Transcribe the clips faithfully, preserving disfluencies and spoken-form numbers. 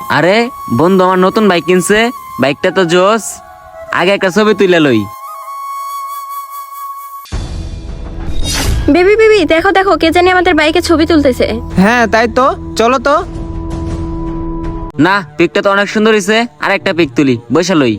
আরে বন্ধু আমার নতুন বাইক কিনছে, বাইকটা তো জোস। আগে একটা ছবি তুলে লই। বেবি বেবি দেখো দেখো কে জানি আমাদের বাইকে ছবি তুলতেছে। হ্যাঁ তাই তো, চলো তো। না, পিকটা তো অনেক সুন্দর হইছে, আর একটা পিক তুলি, বসে লই।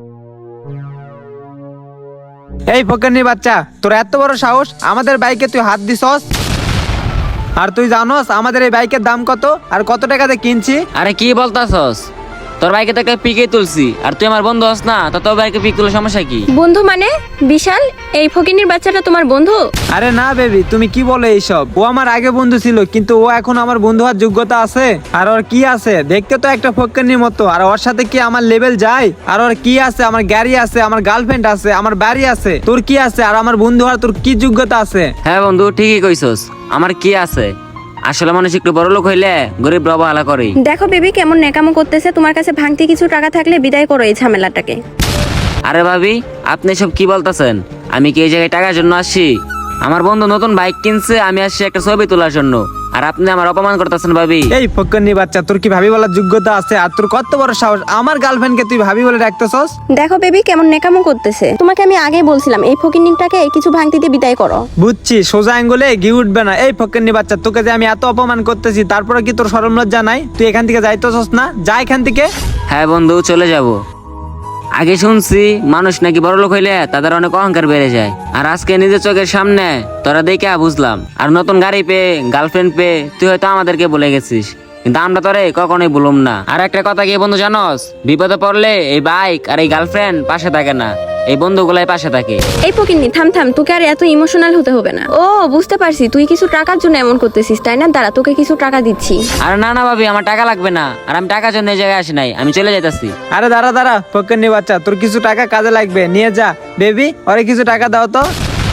এই ফকিন্নি বাচ্চা, তোর এত বড় সাহস আমাদের বাইকে তুই হাত দিছস? আর তুই জানোস আমাদের এই বাইকের দাম কত আর কত টাকাতে কিনছি? আরে কি বলতাছস? তোর বাইকে তো একটা পিকে তুলছি, আর তুই আমার বন্ধু হস না, তো তোর বাইকে পিক তুলে সমস্যা কি? বন্ধু মানে বিশাল, এই ফকিনির বাচ্চাটা তোমার বন্ধু? আরে না বেবি, তুমি কি বলে এইসব? ও আমার আগে বন্ধু ছিল, কিন্তু ও এখন আমার বন্ধু হওয়ার যোগ্যতা আছে? আর ওর কি আছে? দেখতে তো একটা ফকিন্নির মতো, আর ওর সাথে কি আমার লেভেল যায়? আর ওর কি আছে? আমার গাড়ি আছে, আমার গার্লফ্রেন্ড আছে, আমার বাড়ি আছে। তোর কি আছে? আর আমার বন্ধু হওয়ার তোর কি যোগ্যতা আছে? হ্যাঁ বন্ধু, ঠিকই কইছস, আমার কি আছে? আসলে মানুষ একটু বড় লোক হইলে গরিব অবহেলা করে। দেখো বেবি কেমন নেকামো করতেছে, তোমার কাছে ভাঙতি কিছু টাকা থাকলে বিদায় করো এই ঝামেলাটাকে। আরে ভাবি, আপনি সব কি বলতেছেন? আমি কি এই জায়গায় টাকার জন্য আসছি? আমার বন্ধু নতুন বাইক কিনছে, আমি আসছি একটা ছবি তোলার জন্য, আর আপনি আমার অপমান করতেছেন ভাবি। এই ফকিন্নি বাচ্চা, তোর কি ভাবি বলার যোগ্যতা আছে? আর তোর কত বড় সাহস আমার গার্লফ্রেন্ডকে তুই ভাবি বলে ডাকতেছস? দেখো বেবি কেমন নেকামো করতেছে, তোমাকে আমি আগেই বলছিলাম এই ফকিনিটাকে কিছু ভাঙতি দিয়ে বিদায় করো। বুঝছি, সোজা আঙ্গুলে ঘি উঠবে না। এই ফকিন্নি বাচ্চা, তোকে যে আমি এত অপমান করতেছি, তারপরে কি তোর শরম লজ্জা নাই? তুই এখান থেকে যাইতেছস না? যা এখান থেকে। হ্যাঁ বন্ধু, চলে যাব। আগে শুনছি মানুষ নাকি বড় লোক হইলে তাদের অনেক অহংকার বেড়ে যায়, আর আজকে নিজের চোখের সামনে তোরা দেখে বুঝলাম। আর নতুন গাড়ি পেয়ে, গার্লফ্রেন্ড পেয়ে তুই হয়তো আমাদেরকে বলে গেছিস, কিন্তু আমরা তোরে কখনোই বলুম না। আর একটা কথা কি বন্ধু জানোস, বিপদে পড়লে এই বাইক আর এই গার্লফ্রেন্ড পাশে থাকে না, এই বন্ধুগুলাই পাশে থাকে। এই ফকিন্নি থাম থাম, তোকে আর এত ইমোশনাল হতে হবে না। ও বুঝতে পারছি, তুই কিছু টাকার জন্য এমন করতেছিস তাই না? দাঁড়া তোকে কিছু টাকা দিচ্ছি। আর না না ভাবি, আমার টাকা লাগবে না, আর আমি টাকার জন্য এই জায়গায় আসি নাই, আমি চলে যাইতাছি। আরে দাঁড়া দাঁড়া ফকিন্নি বাচ্চা, তোর কিছু টাকা কাজে লাগবে, নিয়ে যা। বেবি, ওরে কিছু টাকা দাও তো।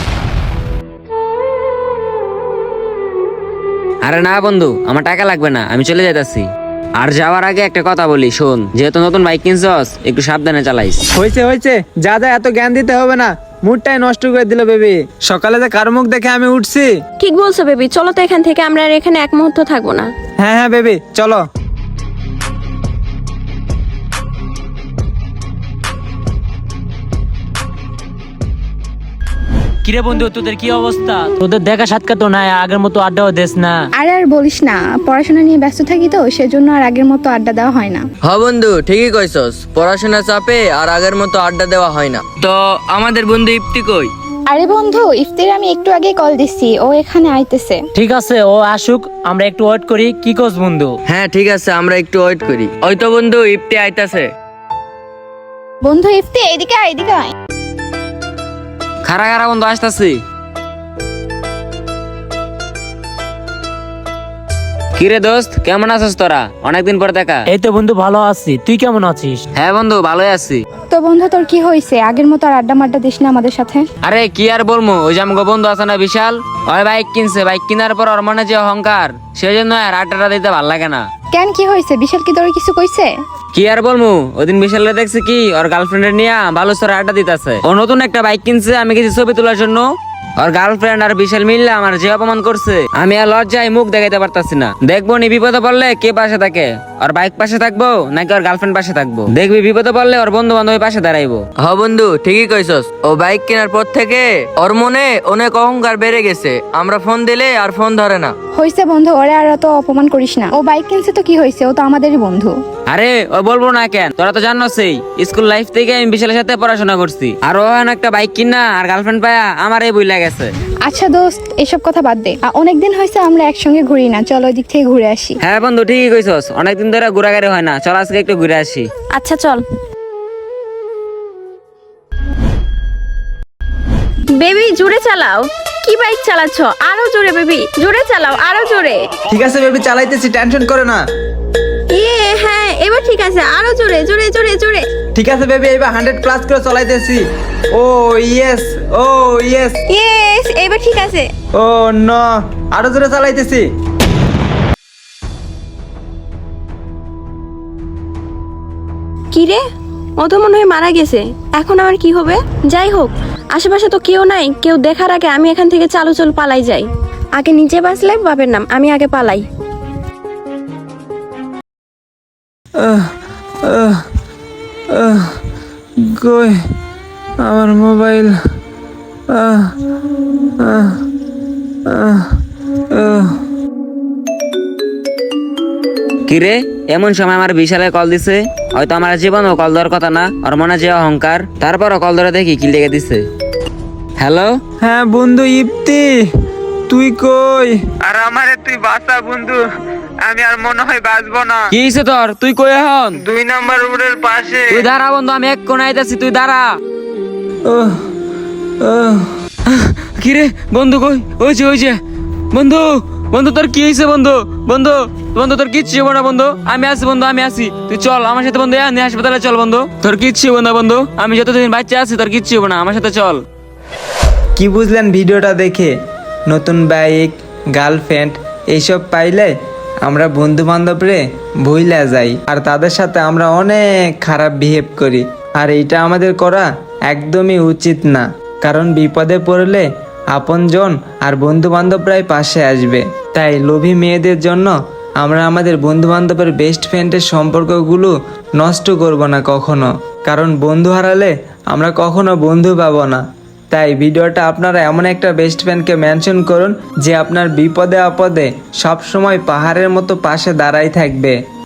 আরে না বন্ধু, আমার টাকা লাগবে না, আমি চলে যাইতাছি। আর যাওয়ার আগে একটা কথা বলি, শোন, যেহেতু নতুন বাইক কিনছস একটু সাবধানে চালাইস। হয়েছে হয়েছে, যা যা, এত জ্ঞান দিতে হবে না। মুডটাই নষ্ট করে দিল বেবি। সকালে যে কার মুখ দেখে আমি উঠছি। ঠিক বলছো বেবি, চলো তো এখান থেকে, আমরা আর এখানে এক মুহূর্ত থাকবো না। হ্যাঁ হ্যাঁ বেবি, চলো। কিরে বন্ধু, তোদের কি অবস্থা? তোদের দেখা সাক্ষাৎ তো নাই, আগের মতো আড্ডাও দেস না। আরে আর বলিস না, পড়াশোনা নিয়ে ব্যস্ত থাকি তো, সেজন্য আর আগের মতো আড্ডা দেওয়া হয় না। হ বন্ধু, ঠিকই কইছস, পড়াশোনার চাপে আর আগের মতো আড্ডা দেওয়া হয় না। তো আমাদের বন্ধু ইফতি কই? আরে বন্ধু, ইফতির আমি একটু আগে কল দিছি, ও এখানে আইতেছে। ঠিক আছে, ও আসুক, আমরা একটু ওয়েট করি। কি কোস বন্ধু? হ্যাঁ ঠিক আছে, আমরা একটু ওয়েট করি। ওই তো বন্ধু ইফতি আইতাছে। বন্ধু ইফতি, এদিকে আয়, এদিকে আয়। খারা খারা বন্ধু, আসতাছি। কিরে দোস্ত, কেমন আছিস তোরা? অনেকদিন পর দেখা। এই তো বন্ধু, ভালো আছি, তুই কেমন আছিস? হ্যাঁ বন্ধু, ভালোই আছি। তো বন্ধু তোর কি হয়েছে? আগের মতো আর আড্ডা মাড্ডা দিস না আমাদের সাথে? আরে কি আর বলবো, ওই যে আমাকে বন্ধু আছে না বিশাল, ওই বাইক কিনছে, বাইক কেনার পর ওর মনে যে অহংকার, সেই জন্য আর আড্ডাটা দিতে ভাল লাগে না। কেন, কি হয়েছে? বিশাল কি তোর কিছু কইছে? কি আর বলবো, ওদিন বিশালে দেখছি কি ওর গার্লফ্রেন্ডের নিয়ে বালুচরে আড্ডা দিতেছে। ও নতুন একটা বাইক কিনছে, আমি কিছু ছবি তোলার জন্য। ওর গার্লফ্রেন্ড আর বিশাল মিললে আমার যে অপমান করছে, আমি আর লজ্জায় মুখ দেখাইতে পারতাছি না। দেখবো নি বিপদে পড়লে কে পাশে থাকে, ওর বাইক পাশে থাকবো নাকি ওর গার্লফ্রেন্ড পাশে থাকবো? দেখবি বিপদে পড়লে ওর বন্ধু বান্ধব পাশে দাঁড়াইবো। হ বন্ধু, ঠিকই কইছস, ও বাইক কেনার পর থেকে ওর মনে অনেক অহংকার বেড়ে গেছে। আমরা ফোন দিলে আর ফোন ধরে না। হয়েছে বন্ধু, ওরে আর অত অপমান করিস না। ও বাইক কিনছে তো কি হয়েছে, ও তো আমাদেরই বন্ধু। আরে ও বলবো না কেন, তোরা তো জানোসই স্কুল লাইফ থেকে আমি বিশালের সাথে পড়াশোনা করছি, আর ও এখন একটা বাইক কিনা আর গার্লফ্রেন্ড পায়া আমার এই বইলা গেছে। আচ্ছা দোস্ত, এসব কথা বাদ দে। আ, অনেকদিন হয়েছে আমরা একসঙ্গে ঘুরি না, চলো ওই দিক থেকে ঘুরে আসি। হ্যাঁ বন্ধু, ঠিকই কইছস, অনেকদিন ধরে ঘোরাঘুরি হয় না, চল আজকে একটু ঘুরে আসি। আচ্ছা চল। বেবি জোরে চালাও। কি বাইক চালাচ্ছ? আরো জোরে বেবি, জোরে চালাও, আরো জোরে। ঠিক আছে বেবি, চালাইতেছি, টেনশন করে না। ইয়ে হ্যাঁ, এবার ঠিক আছে, আরো জোরে জোরে জোরে জোরে। ঠিক আছে বেবি, এবার হান্ড্রেড প্লাস করে চালাইতেছি। Oh yes, oh yes, yes, এবার ঠিক আছে। ও নো, আরো জোরে চালাইতেছি। কি রে, ও তো মনে হয় মারা গেছে, এখন আমার কি হবে? যাই হোক, আশেপাশে তো কেউ নাই, কেউ দেখার আগে আমি এখান থেকে চালু চল পালাই যাই। আগে নিজে বাঁচলে বাপের নাম, আমি আগে পালাই। আহ, আহ, আহ, কই আমার মোবাইল? আহ, আহ, আহ, আহ। কিরে এমন সময় আমার বিশালে কল দিছে, হয়তো আমার জীবনও কল দেওয়ার কথা না, আর মনে যে অহংকার, তারপরও কল ধরে দেখি কি লেগে দিছে। হ্যালো, হ্যাঁ বন্ধু ইপ্তি, তুই কই? আর আমারে তুই বাঁচা বন্ধু, আমি আর মনে হয় বাঁচবো না। কি হইছে তোর? তুই কই এখন? দুই নাম্বার রোডের পাশে। তুই দাঁড়া বন্ধু, আমি এক কোণে আইতাছি, তুই দাঁড়া। ওহ, ওহ। কিরে বন্ধু কই? ওই যে ওই যে বন্ধু, বন্ধু তোর কি হয়েছে বন্ধু? বন্ধু বন্ধু তোর কিচ্ছু হবো না বন্ধু, আমি আছি বন্ধু, আমি আছি, তুই চল আমার সাথে বন্ধু, এনে হাসপাতালে চল বন্ধু, তোর কিচ্ছু হবো না বন্ধু, আমি যতদিন বাচ্চা আছি তোর কিচ্ছু হবো না, আমার সাথে চল। কি বুঝলেন ভিডিওটা দেখে? নতুন বাইক, গার্লফ্রেন্ড এইসব পাইলে আমরা বন্ধু বান্ধবরে ভুইলা যাই, আর তাদের সাথে আমরা অনেক খারাপ বিহেভ করি। আর এইটা আমাদের করা একদমই উচিত না, কারণ বিপদে পড়লে আপনজন আর বন্ধু বান্ধবরাই পাশে আসবে। তাই লোভী মেয়েদের জন্য আমরা আমাদের বন্ধু বান্ধবের বেস্ট ফ্রেন্ডের সম্পর্কগুলো নষ্ট করব না কখনো, কারণ বন্ধু হারালে আমরা কখনো বন্ধু পাবো না। তাই ভিডিওটা আপনারা এমন একটা বেস্ট ফ্রেন্ডকে মেনশন করুন যে আপনার বিপদে আপদে সব সময় পাহাড়ের মতো পাশে দাঁড়াই থাকবে।